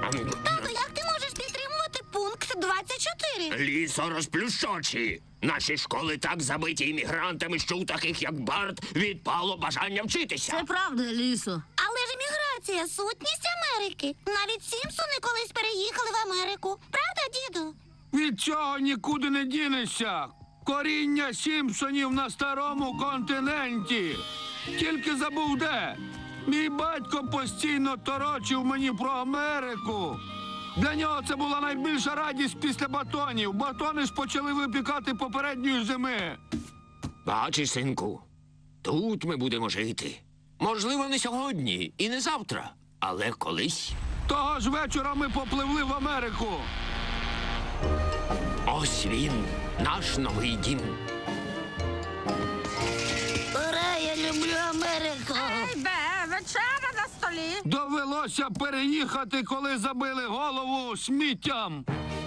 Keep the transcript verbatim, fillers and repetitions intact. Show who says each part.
Speaker 1: Тато, як ти можеш підтримувати пункт двадцять чотири?
Speaker 2: Лісо розплющочі. Наші школи так забиті іммігрантами, що у таких, як Барт, відпало бажання вчитися.
Speaker 3: Це правда, Лісо.
Speaker 1: Але ж еміграція – сутність Америки. Навіть Сімпсони колись переїхали в Америку. Правда, діду?
Speaker 4: Від цього нікуди не дінешся. Коріння Сімпсонів на старому континенті. Тільки забув де. Мій батько постійно торочив мені про Америку. Для нього це була найбільша радість після батонів. Батони ж почали випікати попередньої зими.
Speaker 2: Бачиш, синку, тут ми будемо жити. Можливо, не сьогодні і не завтра, але колись.
Speaker 4: Того ж вечора ми попливли в Америку.
Speaker 2: Ось він, наш новий дім.
Speaker 3: Ура, я люблю Америку.
Speaker 5: Де вечеря на столі?
Speaker 4: Довелося переїхати, коли забили голову сміттям.